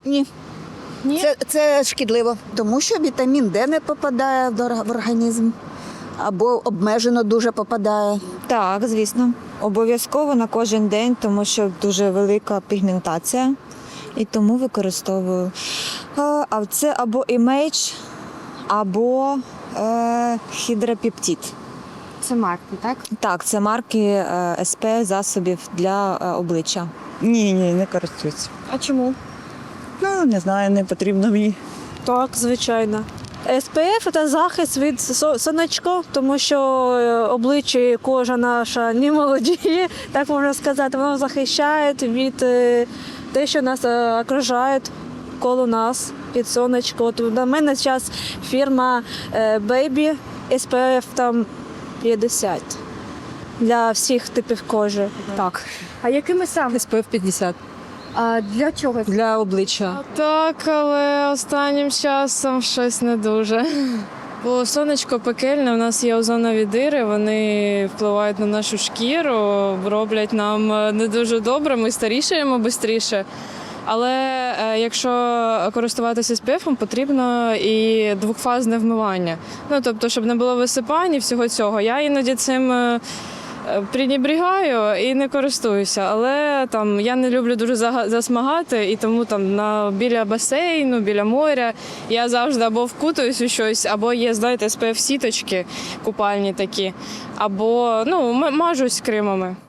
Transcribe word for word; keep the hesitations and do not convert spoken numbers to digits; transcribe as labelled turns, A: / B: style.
A: Ні.
B: Ні?
A: Це, це шкідливо, тому що вітамін Д не попадає в ор- в організм або обмежено дуже попадає.
C: Так, звісно. Обов'язково на кожен день, тому що дуже велика пігментація. І тому використовую. Е, А це або імейдж, або е, хідрапептид.
B: Це марки, так?
C: Так, це марки е, ес пе еф засобів для е, обличчя.
D: Ні, ні, не користуюся.
B: А чому?
D: Ну, не знаю, не потрібно мені.
E: Так, звичайно. ес пе еф – це захист від со- сонечка, тому що е, обличчя і кожа наша не молодіє, так можна сказати. Воно захищає від е, те, що нас е, окружає коло нас від сонечка. От на мене зараз фірма е, Baby, ес пе еф там п'ятдесят для всіх типів кожи.
F: Так,
B: А якими саме?
F: ес пе еф п'ятдесят
B: А для чого?
F: для обличчя.
G: Так, але останнім часом щось не дуже. Бо сонечко пекельне, у нас є озонові дири, вони впливають на нашу шкіру, роблять нам не дуже добре, ми старішаємо швидше. Але е, якщо користуватися ес пе ефом, потрібно і двохфазне вмивання. Ну, тобто, щоб не було висипань і всього цього. Я іноді цим е, пренебрігаю і не користуюся. Але там я не люблю дуже зага- засмагати, і тому там на біля басейну, біля моря я завжди або вкутуюсь у щось, або є, знаєте, ес пе еф-сіточки купальні такі, або ну, м- мажусь кремами.